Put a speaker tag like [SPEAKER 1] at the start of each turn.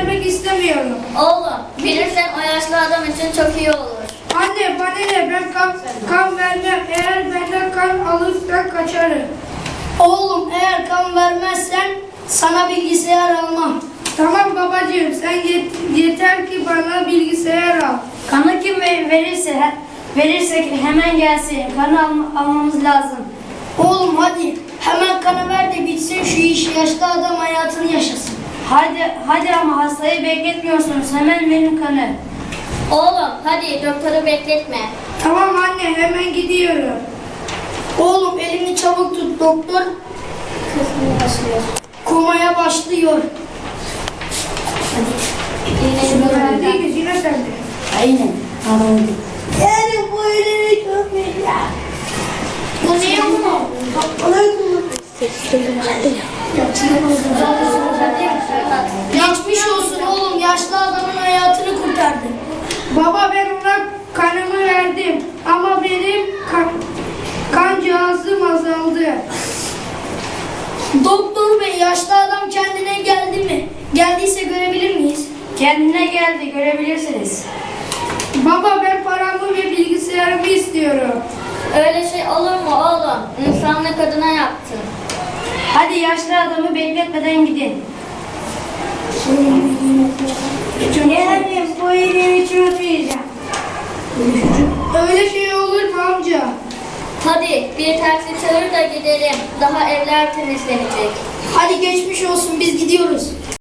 [SPEAKER 1] vermek istemiyorum.
[SPEAKER 2] Oğlum, bilirsen o yaşlı adam için çok iyi olur.
[SPEAKER 1] Anne bana ne, ben kan vermem. Eğer benden kan alırsan kaçarım.
[SPEAKER 3] Oğlum eğer kan vermezsen sana bilgisayar almam.
[SPEAKER 1] Tamam babacığım, sen yeter ki bana bilgisayar al.
[SPEAKER 4] Kanı kim verirsek hemen gelsin. Kanı almamız lazım.
[SPEAKER 3] Oğlum hadi hemen kanı ver de bitsin şu iş, yaşlı adam hayatını yaşasın.
[SPEAKER 4] Hadi ama hastayı bekletmiyorsunuz. Hemen verin kanı.
[SPEAKER 2] Oğlum, hadi doktoru bekletme.
[SPEAKER 1] Tamam anne, hemen gidiyorum.
[SPEAKER 3] Oğlum elini çabuk tut, doktor komaya başlıyor.
[SPEAKER 1] Değil mi? Yine sende.
[SPEAKER 4] Aynen.
[SPEAKER 3] Yani bu elini çok güzel. Bu ne bu? Geçmiş olsun oğlum, yaşlı adamın hayatını kurtardı.
[SPEAKER 1] Baba ben ona kanımı verdim ama benim kan cihazım azaldı.
[SPEAKER 3] Doktor bey, yaşlı adam kendine geldi mi? Geldiyse görebilir miyiz?
[SPEAKER 4] Kendine geldi. Görebilirsiniz.
[SPEAKER 1] Baba ben paramı ve bilgisayarımı istiyorum.
[SPEAKER 2] Öyle şey olur mu oğlum? İnsanlık adına yaptın.
[SPEAKER 4] Hadi yaşlı adamı bekletmeden gidin.
[SPEAKER 1] Yani bu elimi çözmeyeceğim. Öyle şey olur mu amca?
[SPEAKER 2] Hadi bir taksi çağır da gidelim. Daha evler temizlenecek.
[SPEAKER 3] Hadi geçmiş olsun, biz gidiyoruz.